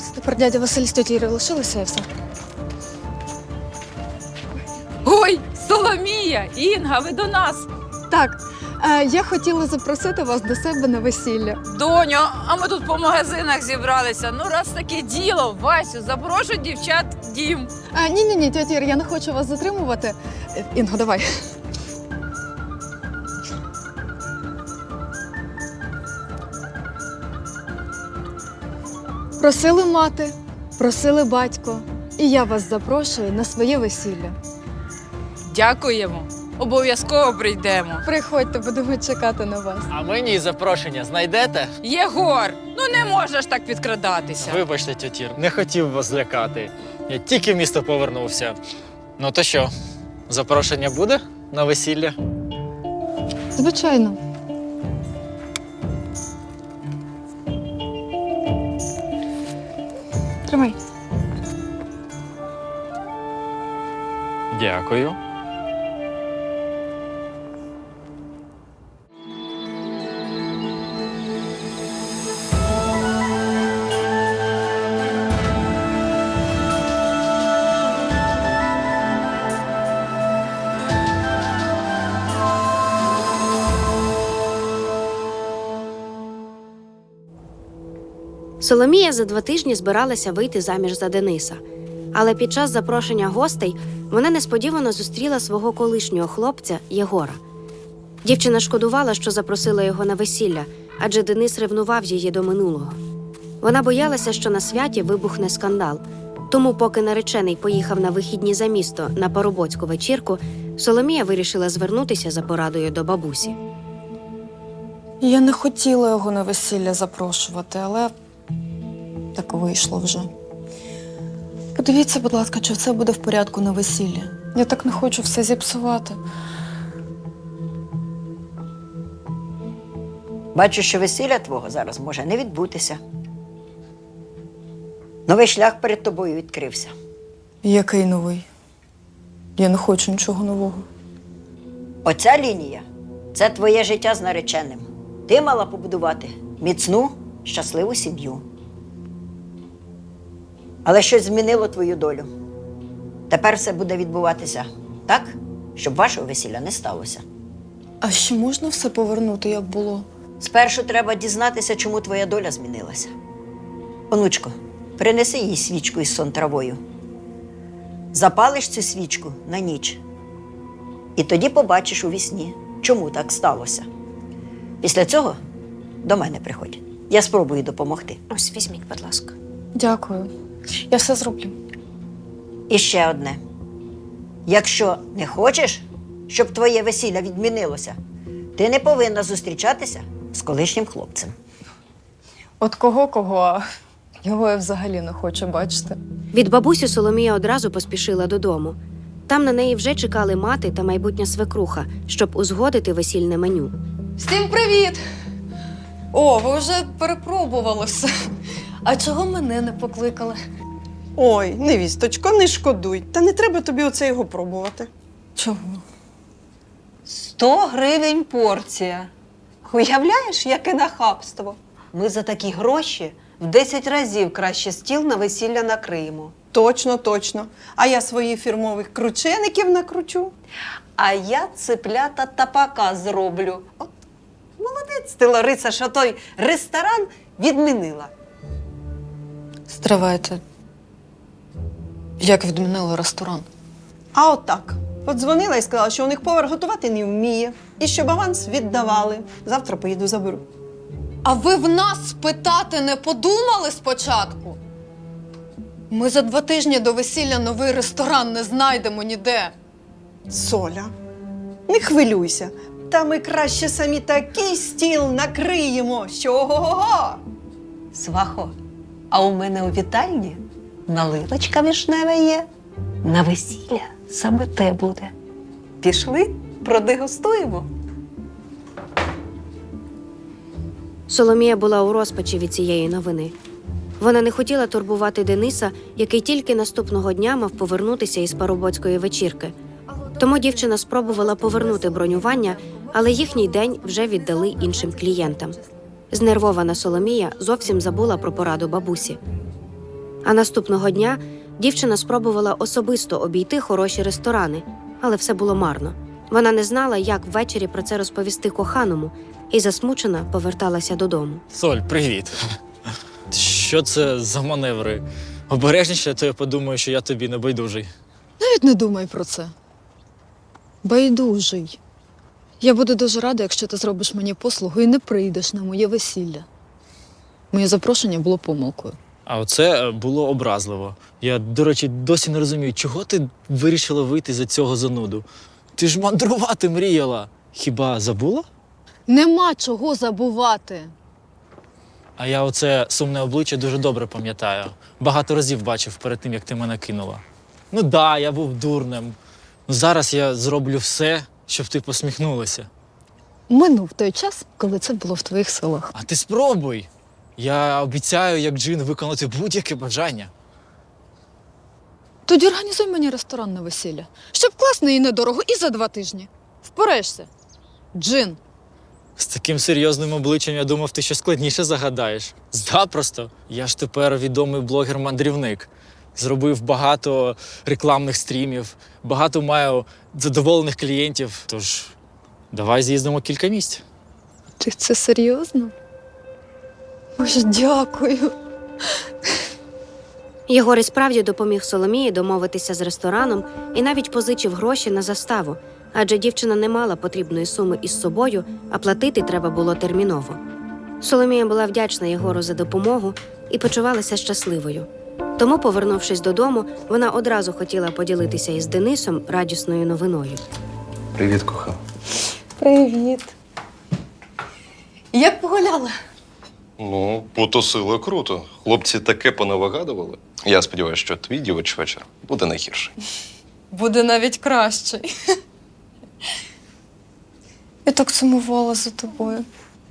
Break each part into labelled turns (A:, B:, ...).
A: Тепер дядя Василь з тьотєю Ірою лишилися і все.
B: Ой, Соломія, Інга, ви до нас.
A: Так, я хотіла запросити вас до себе на весілля.
B: Доню, а ми тут по магазинах зібралися. Ну, раз таке діло, Васю, запрошуй дівчат в дім.
A: Ні, тьотя Ір, я не хочу вас затримувати. Інго, давай. Просили мати, просили батько. І я вас запрошую на своє весілля.
B: Дякуємо. Обов'язково прийдемо.
A: Приходьте, будемо чекати на вас.
C: А мені запрошення знайдете?
B: Єгор, ну не можеш так підкрадатися.
C: Вибачте, тьотір, не хотів вас злякати. Я тільки в місто повернувся. Ну то що, запрошення буде на весілля?
A: Звичайно. Тримай.
C: Дякую.
D: Соломія за 2 тижні збиралася вийти заміж за Дениса. Але під час запрошення гостей вона несподівано зустріла свого колишнього хлопця Єгора. Дівчина шкодувала, що запросила його на весілля, адже Денис ревнував її до минулого. Вона боялася, що на святі вибухне скандал. Тому, поки наречений поїхав на вихідні за місто на парубоцьку вечірку, Соломія вирішила звернутися за порадою до бабусі.
A: Я не хотіла його на весілля запрошувати, але так вийшло вже. Подивіться, будь ласка, чи все буде в порядку на весіллі. Я так не хочу все зіпсувати.
E: Бачу, що весілля твого зараз може не відбутися. Новий шлях перед тобою відкрився.
A: Який новий? Я не хочу нічого нового.
E: Оця лінія – це твоє життя з нареченим. Ти мала побудувати міцну, щасливу сім'ю. Але щось змінило твою долю. Тепер все буде відбуватися так, щоб вашого весілля не сталося.
A: А ще можна все повернути, як було?
E: Спершу треба дізнатися, чому твоя доля змінилася. Онучко, принеси їй свічку із сон-травою. Запалиш цю свічку на ніч. І тоді побачиш у вісні, чому так сталося. Після цього до мене приходь. Я спробую допомогти.
D: Ось, візьміть, будь ласка.
A: Дякую. Я все зроблю.
E: І ще одне. Якщо не хочеш, щоб твоє весілля відмінилося, ти не повинна зустрічатися з колишнім хлопцем.
A: От кого-кого, а його я взагалі не хочу бачити.
D: Від бабусі Соломія одразу поспішила додому. Там на неї вже чекали мати та майбутня свекруха, щоб узгодити весільне меню.
A: Всім привіт! О, ви вже перепробували все. А чого мене не покликали?
F: Ой, невісточко, не шкодуй. Та не треба тобі оце його пробувати.
A: Чого?
G: 100 гривень порція. Уявляєш, яке нахабство? Ми за такі гроші в 10 разів краще стіл на весілля накриємо.
F: Точно, точно. А я своїх фірмових кручеників накручу.
G: А я цеплята тапака зроблю. От молодець ти, Лариса, що той ресторан відмінила.
A: Стривайте. Як відмінили ресторан?
F: А от так. Подзвонила і сказала, що у них повар готувати не вміє. І щоб аванс віддавали. Завтра поїду заберу.
A: А ви в нас спитати не подумали спочатку? Ми за 2 тижні до весілля новий ресторан не знайдемо ніде.
F: Соля, не хвилюйся. Та ми краще самі такий стіл накриємо, що ого-го-го!
G: Свахо, а у мене у вітальні наливочка вишнева є. На весілля саме те буде. Пішли, продегустуємо.
D: Соломія була у розпачі від цієї новини. Вона не хотіла турбувати Дениса, який тільки наступного дня мав повернутися із парубоцької вечірки. Тому дівчина спробувала повернути бронювання, але їхній день вже віддали іншим клієнтам. Знервована Соломія зовсім забула про пораду бабусі. А наступного дня дівчина спробувала особисто обійти хороші ресторани, але все було марно. Вона не знала, як ввечері про це розповісти коханому, і засмучена поверталася додому.
C: Соль, привіт. Що це за маневри? Обережніше, то я подумаю, що я тобі не байдужий.
A: Навіть не думай про це. Байдужий. Я буду дуже рада, якщо ти зробиш мені послугу і не прийдеш на моє весілля. Моє запрошення було помилкою.
C: А оце було образливо. Я, до речі, досі не розумію, чого ти вирішила вийти за цього зануду? Ти ж мандрувати мріяла. Хіба забула?
A: Нема чого забувати.
C: А я оце сумне обличчя дуже добре пам'ятаю. Багато разів бачив перед тим, як ти мене кинула. Ну да, я був дурним. Ну, зараз я зроблю все, щоб ти посміхнулася.
A: Минув той час, коли це було в твоїх силах.
C: А ти спробуй. Я обіцяю, як джин, виконати будь-яке бажання.
A: Тоді організуй мені ресторан на весілля. Щоб класно і недорого, і за 2 тижні. Впораєшся? Джин.
C: З таким серйозним обличчям я думав, ти щось складніше загадаєш. Запросто. Я ж тепер відомий блогер-мандрівник. Зробив багато рекламних стрімів, багато маю задоволених клієнтів. Тож, давай з'їздимо кілька місць.
A: Ти це серйозно? Боже, дякую.
D: Єгор і справді допоміг Соломії домовитися з рестораном і навіть позичив гроші на заставу, адже дівчина не мала потрібної суми із собою, а платити треба було терміново. Соломія була вдячна Єгору за допомогу і почувалася щасливою. Тому, повернувшись додому, вона одразу хотіла поділитися із Денисом радісною новиною.
H: Привіт, кохана.
A: Привіт. Як погуляли?
H: Ну, потусили круто. Хлопці таке понавигадували. Я сподіваюся, що твій дівоч вечір буде не гірший.
A: Буде навіть кращий. Я так сумувала за тобою.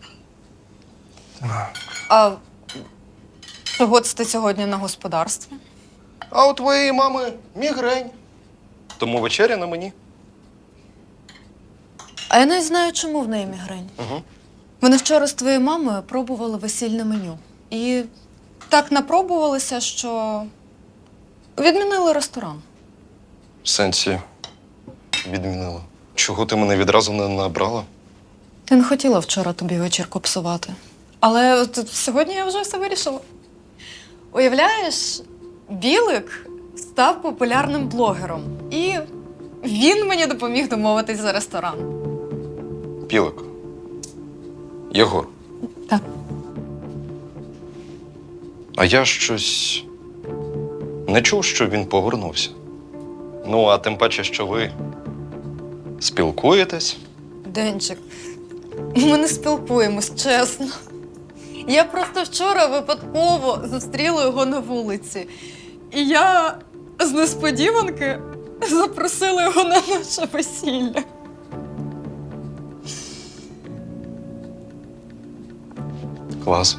A: А чого це ти сьогодні на господарстві?
H: А у твоєї мами мігрень. Тому вечеря на мені.
A: А я не знаю, чому в неї мігрень.
H: Угу.
A: Вони вчора з твоєю мамою пробували весільне меню. І так напробувалися, що відмінили ресторан.
H: В сенсі відмінила. Чого ти мене відразу не набрала?
A: Я не хотіла вчора тобі вечірку псувати. Але от сьогодні я вже все вирішила. Уявляєш, Білик став популярним блогером. І він мені допоміг домовитись за ресторан.
H: Білик. Єгор.
A: Так.
H: А я щось не чув, що він повернувся. Ну, а тим паче, що ви спілкуєтесь.
A: Денчик, ми не спілкуємось, чесно. Я просто вчора випадково зустріла його на вулиці. І я з несподіванки запросила його на наше весілля.
H: Клас.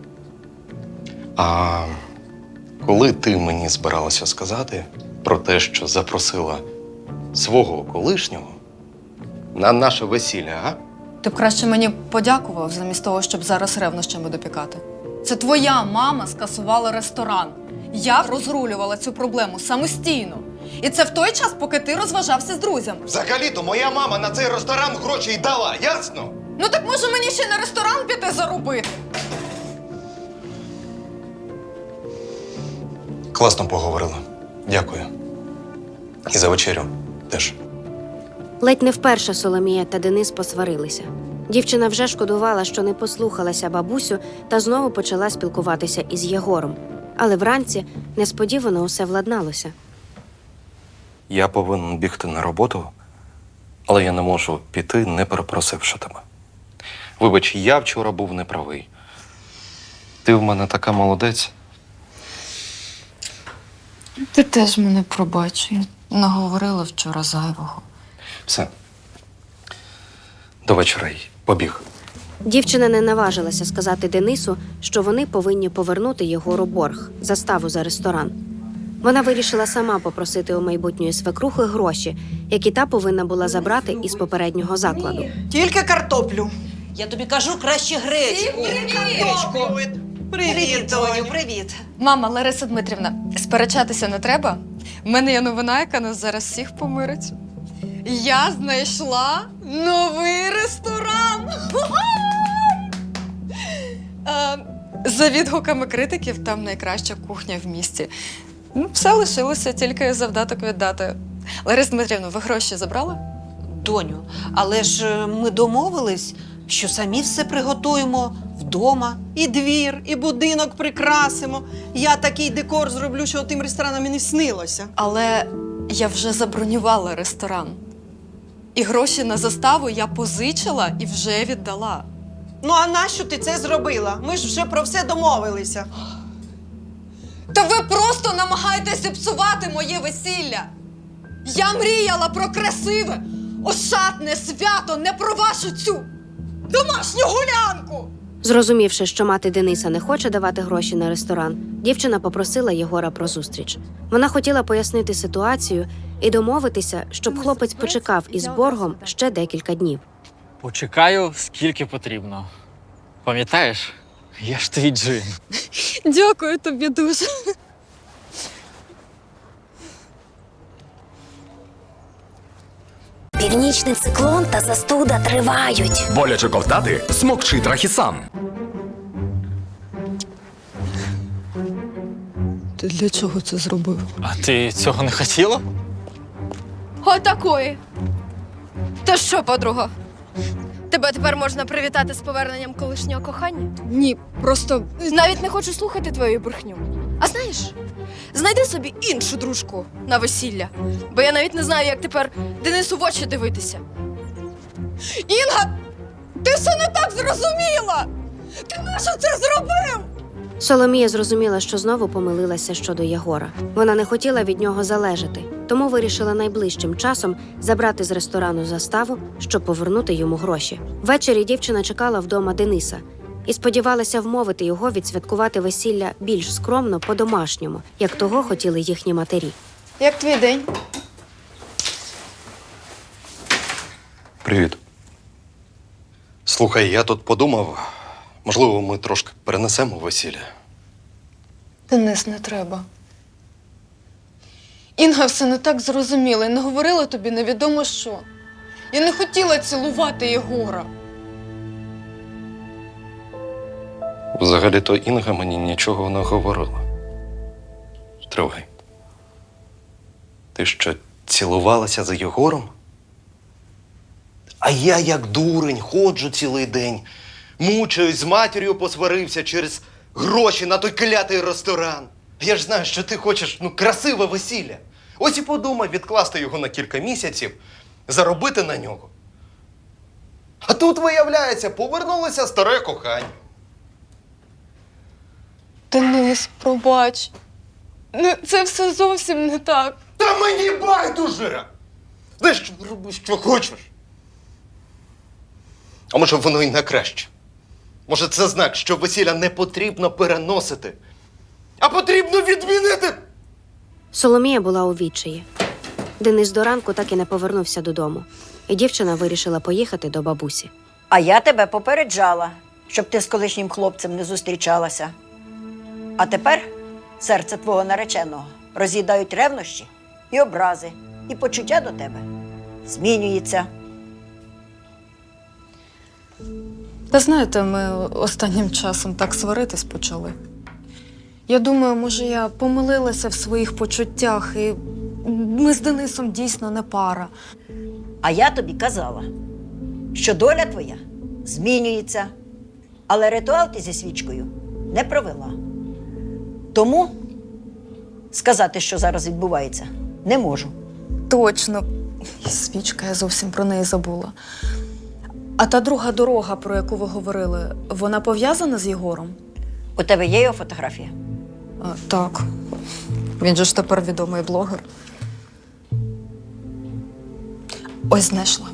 H: А коли ти мені збиралася сказати про те, що запросила свого колишнього на наше весілля, а?
A: Ти б краще мені подякував, замість того, щоб зараз ревнощами допікати. Це твоя мама скасувала ресторан. Я розрулювала цю проблему самостійно. І це в той час, поки ти розважався з друзями.
H: Взагалі-то моя мама на цей ресторан гроші й дала, ясно?
A: Ну так може мені ще на ресторан піти заробити?
H: Класно поговорила. Дякую. І за вечерю теж.
D: Ледь не вперше Соломія та Денис посварилися. Дівчина вже шкодувала, що не послухалася бабусю та знову почала спілкуватися із Єгором. Але вранці несподівано усе владналося.
H: Я повинен бігти на роботу, але я не можу піти, не перепросивши тебе. Вибач, я вчора був неправий. Ти в мене така молодець.
A: Ти теж мене пробач. Я наговорила вчора зайвого.
H: Все. До вечора й побіг.
D: Дівчина не наважилася сказати Денису, що вони повинні повернути Єгору борг – заставу за ресторан. Вона вирішила сама попросити у майбутньої свекрухи гроші, які та повинна була забрати із попереднього закладу.
F: Тільки картоплю.
I: Я тобі кажу, краще гречку.
G: Привіт, Доню, привіт.
A: Мама, Лариса Дмитрівна, сперечатися не треба. В мене є новина, яка нас зараз всіх помирить. Я знайшла новий ресторан. За відгуками критиків, там найкраща кухня в місті. Все лишилося тільки завдаток віддати. Лариса Дмитрівна, ви гроші забрали?
G: Доню, але ж ми домовились, що самі все приготуємо вдома.
F: І двір, і будинок прикрасимо. Я такий декор зроблю, що тим ресторанам і не снилося.
A: Але я вже забронювала ресторан. І гроші на заставу я позичила і вже віддала.
F: Ну а нащо ти це зробила? Ми ж вже про все домовилися.
A: Та ви просто намагаєтеся зіпсувати моє весілля! Я мріяла про красиве, ошатне свято, не про вашу цю домашню гулянку!
D: Зрозумівши, що мати Дениса не хоче давати гроші на ресторан, дівчина попросила Єгора про зустріч. Вона хотіла пояснити ситуацію і домовитися, щоб хлопець почекав із боргом ще декілька днів.
C: Почекаю, скільки потрібно. Пам'ятаєш? Я ж твій джин.
A: Дякую тобі дуже.
I: Північний циклон та застуда тривають.
J: Боляче ковтати? Смокчи Трахісан.
A: Ти для чого це зробив?
C: А ти цього не хотіла?
K: Отакої. То що, подруга? Тебе тепер можна привітати з поверненням колишнього кохання?
A: Ні, просто
K: Навіть не хочу слухати твою брехню. А знаєш, знайди собі іншу дружку на весілля, бо я навіть не знаю, як тепер Денису в очі дивитися.
A: Інга, ти все не так зрозуміла! Ти нащо це зробив?
D: Соломія зрозуміла, що знову помилилася щодо Єгора. Вона не хотіла від нього залежати, тому вирішила найближчим часом забрати з ресторану заставу, щоб повернути йому гроші. Ввечері дівчина чекала вдома Дениса і сподівалася вмовити його відсвяткувати весілля більш скромно, по-домашньому, як того хотіли їхні матері.
A: Як твій день?
H: Привіт. Слухай, я тут подумав, можливо, ми трошки перенесемо весілля.
A: Денис, не треба. Інга все не так зрозуміла і не говорила тобі невідомо що. Я не хотіла цілувати Єгора.
H: Взагалі-то Інга мені нічого не говорила. Тривай. Ти що, цілувалася за Єгором? А я, як дурень, ходжу цілий день, мучаюсь, з матір'ю посварився через гроші на той клятий ресторан. Я ж знаю, що ти хочеш, красиве весілля. Ось і подумай відкласти його на кілька місяців, заробити на нього. А тут, виявляється, повернулося старе кохання.
A: Денис, пробач. Це все зовсім не так.
H: Та мені байдуже! Знаєш, роби, що хочеш. А може, воно й на краще. Може, це знак, що весілля не потрібно переносити, а потрібно відмінити.
D: Соломія була у відчаї. Денис до ранку так і не повернувся додому, і дівчина вирішила поїхати до бабусі.
E: А я тебе попереджала, щоб ти з колишнім хлопцем не зустрічалася. А тепер серце твого нареченого роз'їдають ревнощі і образи, і почуття до тебе змінюється.
A: Та знаєте, ми останнім часом так сваритись почали. Я думаю, може, я помилилася в своїх почуттях, і ми з Денисом дійсно не пара.
E: А я тобі казала, що доля твоя змінюється, але ритуал ти зі свічкою не провела. Тому сказати, що зараз відбувається, не можу.
A: Точно. І свічка, я зовсім про неї забула. А та друга дорога, про яку ви говорили, вона пов'язана з Єгором?
E: У тебе є його фотографія?
A: Так. Він же ж тепер відомий блогер. Ось знайшла.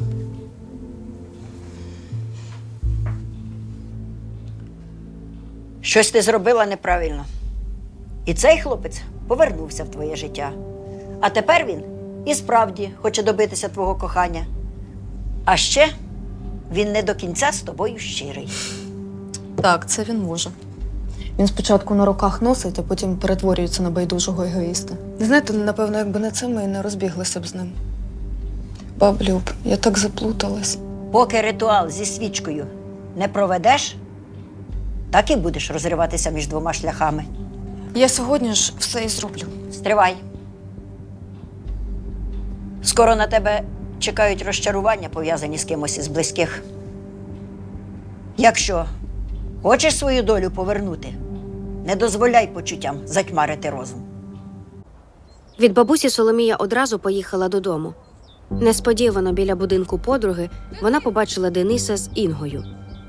E: Щось ти зробила неправильно. І цей хлопець повернувся в твоє життя. А тепер він і справді хоче добитися твого кохання. А ще він не до кінця з тобою щирий.
A: Так, це він може. Він спочатку на руках носить, а потім перетворюється на байдужого егоїста. Знаєте, напевно, якби не це, ми і не розбіглися б з ним. Баб Люб, я так заплуталась.
E: Поки ритуал зі свічкою не проведеш, так і будеш розриватися між двома шляхами.
A: Я сьогодні ж все і зроблю.
E: Стривай. Скоро на тебе чекають розчарування, пов'язані з кимось із близьких. Якщо хочеш свою долю повернути, не дозволяй почуттям затьмарити розум.
D: Від бабусі Соломія одразу поїхала додому. Несподівано біля будинку подруги вона побачила Дениса з Інгою.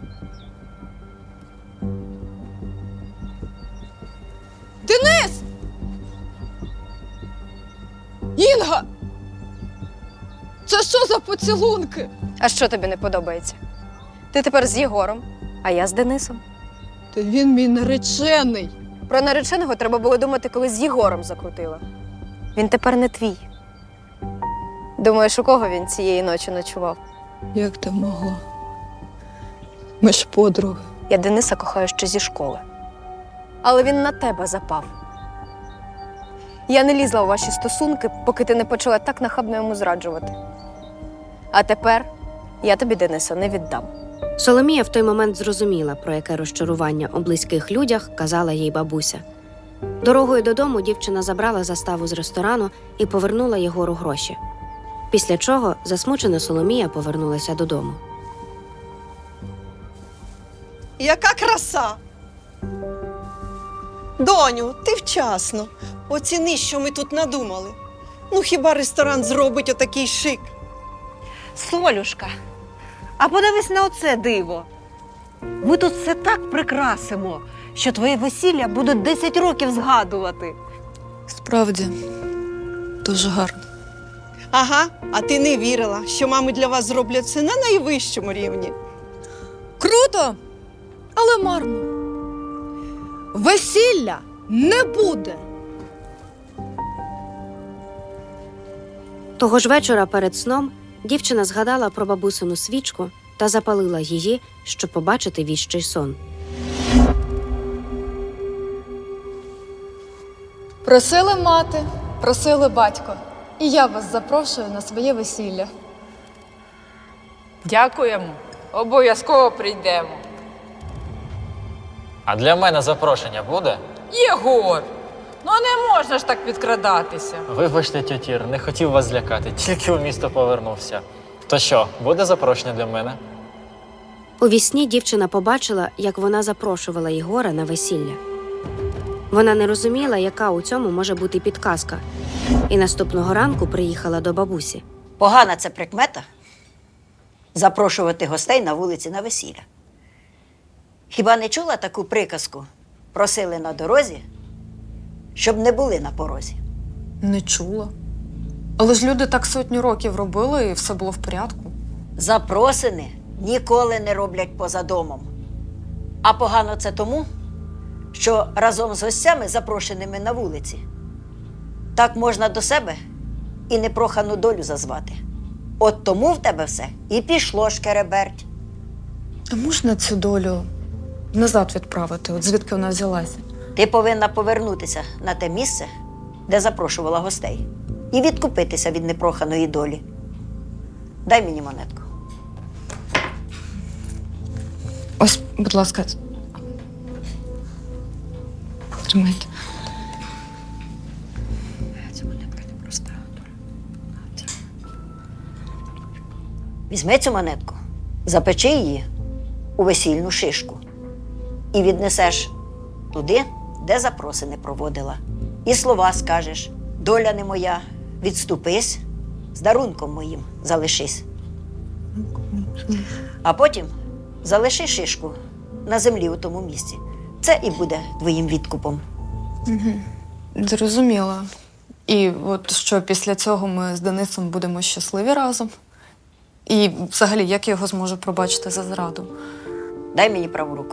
K: Денис! Інга! Це що за поцілунки? А що тобі не подобається? Ти тепер з Єгором, а я з Денисом. Та він мій наречений. Про нареченого треба було думати, коли з Єгором закрутила. Він тепер не твій. Думаєш, у кого він цієї ночі ночував?
L: Як ти могла? Ми ж подруги.
K: Я Дениса кохаю ще зі школи. Але він на тебе запав. Я не лізла у ваші стосунки, поки ти не почала так нахабно йому зраджувати. А тепер я тобі Дениса не віддам.
D: Соломія в той момент зрозуміла, про яке розчарування у близьких людях казала їй бабуся. Дорогою додому дівчина забрала заставу з ресторану і повернула Єгору гроші. Після чого засмучена Соломія повернулася додому.
F: Яка краса! Доню, ти вчасно. Оціни, що ми тут надумали. Ну хіба ресторан зробить отакий шик?
G: Солюшка, а подивись на оце диво. Ми тут все так прикрасимо, що твоє весілля будуть 10 років згадувати.
A: Справді, дуже гарно.
F: Ага, а ти не вірила, що мами для вас зроблять все на найвищому рівні.
K: Круто, але марно. Весілля не буде.
D: Того ж вечора перед сном дівчина згадала про бабусину свічку та запалила її, щоб побачити віщий сон.
K: Просили мати, просили батько. І я вас запрошую на своє весілля.
B: Дякуємо. Обов'язково прийдемо.
C: А для мене запрошення буде?
B: Єгор! Ну не можна ж так підкрадатися.
C: Вибачте, тьотір, не хотів вас злякати, тільки у місто повернувся. То що, буде запрошення для мене?
D: У вісні дівчина побачила, як вона запрошувала Єгора на весілля. Вона не розуміла, яка у цьому може бути підказка, і наступного ранку приїхала до бабусі.
E: Погана це прикмета – запрошувати гостей на вулиці на весілля. Хіба не чула таку приказку? Просили на дорозі, щоб не були на порозі.
A: Не чула. Але ж люди так сотню років робили, і все було в порядку.
E: Запросини ніколи не роблять поза домом. А погано це тому, що разом з гостями, запрошеними на вулиці, так можна до себе і непрохану долю зазвати. От тому в тебе все і пішло шкереберть.
A: А можна цю долю назад відправити, от звідки вона взялася?
E: Ти повинна повернутися на те місце, де запрошувала гостей, і відкупитися від непроханої долі. Дай мені монетку.
A: Ось, будь ласка. Тримайте.
E: Ця монетка не проста. Візьми цю монетку, запечи її у весільну шишку і віднесеш туди, де запросини проводила. І слова скажеш: доля не моя, відступись, з дарунком моїм залишись. А потім залиши шишку на землі у тому місці. Це і буде твоїм відкупом.
A: Зрозуміла. І от що після цього ми з Денисом будемо щасливі разом? І взагалі, як я його зможу пробачити за зраду?
E: Дай мені праву руку.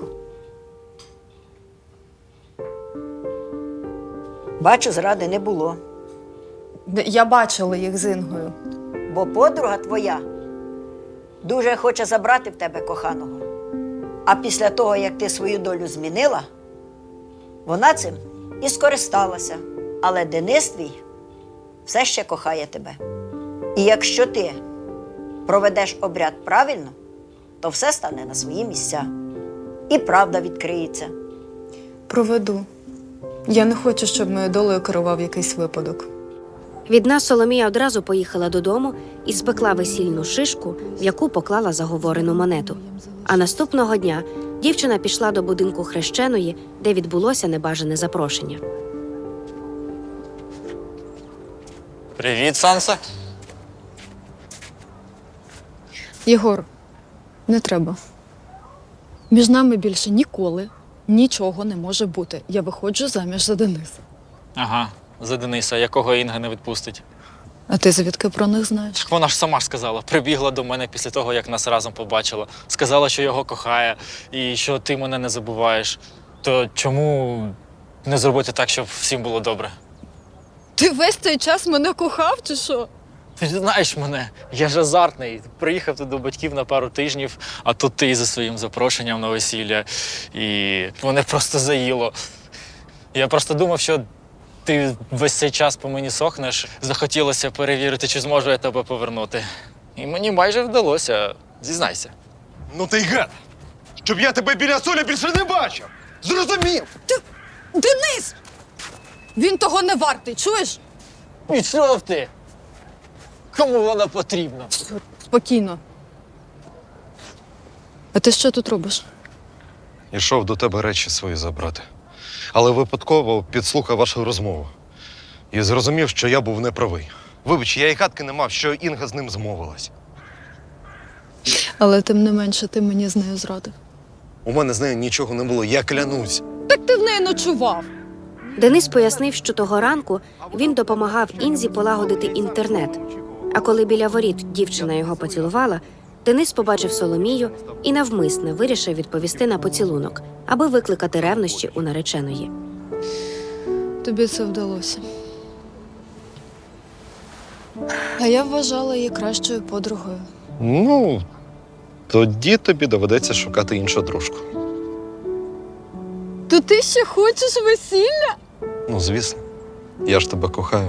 E: Бачу, зради не було,
A: Я бачила їх з Інгою.
E: бо подруга твоя дуже хоче забрати в тебе коханого. А після того, як ти свою долю змінила, Вона цим і скористалася, але Денис твій все ще кохає тебе. І якщо ти проведеш обряд правильно, то все стане на свої місця. І правда відкриється.
A: Проведу. Я не хочу, щоб моєю долею керував якийсь випадок.
D: Від нас Соломія одразу поїхала додому і спекла весільну шишку, в яку поклала заговорену монету. А наступного дня дівчина пішла до будинку хрещеної, де відбулося небажане запрошення.
C: Привіт, Санса.
L: Єгор, не треба. Між нами більше ніколи нічого не може бути. Я виходжу заміж за Дениса.
C: Ага, за Дениса, якого Інга не відпустить.
L: А ти звідки про них знаєш?
C: Так вона ж сама ж сказала, прибігла до мене після того, як нас разом побачила. Сказала, що його кохає і що ти мене не забуваєш. То чому не зробити так, щоб всім було добре?
L: Ти весь цей час мене кохав, чи що?
C: Ти ж знаєш мене, я ж азартний. Приїхав тут до батьків на пару тижнів, а тут ти за своїм запрошенням на весілля. І мене просто заїло. Я просто думав, що ти весь цей час по мені сохнеш. Захотілося перевірити, чи зможу я тебе повернути. І мені майже вдалося. Зізнайся.
M: Ну ти й гад! Щоб я тебе біля Солі більше не бачив! Зрозумів!
L: Денис! Він того не вартий, чуєш?
C: Пішов ти! Кому вона потрібна?
L: Спокійно. А ти що тут робиш?
M: Ішов до тебе речі свої забрати. Але випадково підслухав вашу розмову. І зрозумів, що я був неправий. Вибач, я й гадки не мав, що Інга з ним змовилась.
L: Але тим не менше ти мені з нею зрадив.
M: У мене з нею нічого не було, я клянусь.
L: Так ти в неї ночував.
D: Денис пояснив, що того ранку він допомагав Інзі полагодити інтернет. А коли біля воріт дівчина його поцілувала, Денис побачив Соломію і навмисне вирішив відповісти на поцілунок, аби викликати ревнощі у нареченої.
L: Тобі це вдалося. А я вважала її кращою подругою.
M: Ну, тоді тобі доведеться шукати іншу дружку.
L: То ти ще хочеш весілля?
M: Ну, звісно. Я ж тебе кохаю.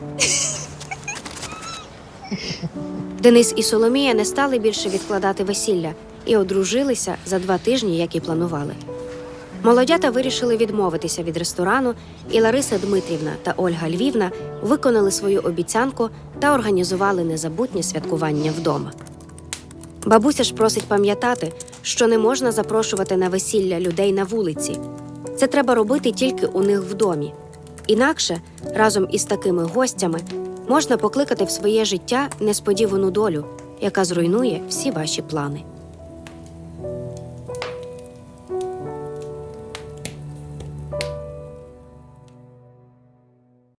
D: Денис і Соломія не стали більше відкладати весілля і одружилися за 2 тижні, як і планували. Молодята вирішили відмовитися від ресторану, і Лариса Дмитрівна та Ольга Львівна виконали свою обіцянку та організували незабутнє святкування вдома. Бабуся ж просить пам'ятати, що не можна запрошувати на весілля людей на вулиці. Це треба робити тільки у них в домі. Інакше, разом із такими гостями, можна покликати в своє життя несподівану долю, яка зруйнує всі ваші плани.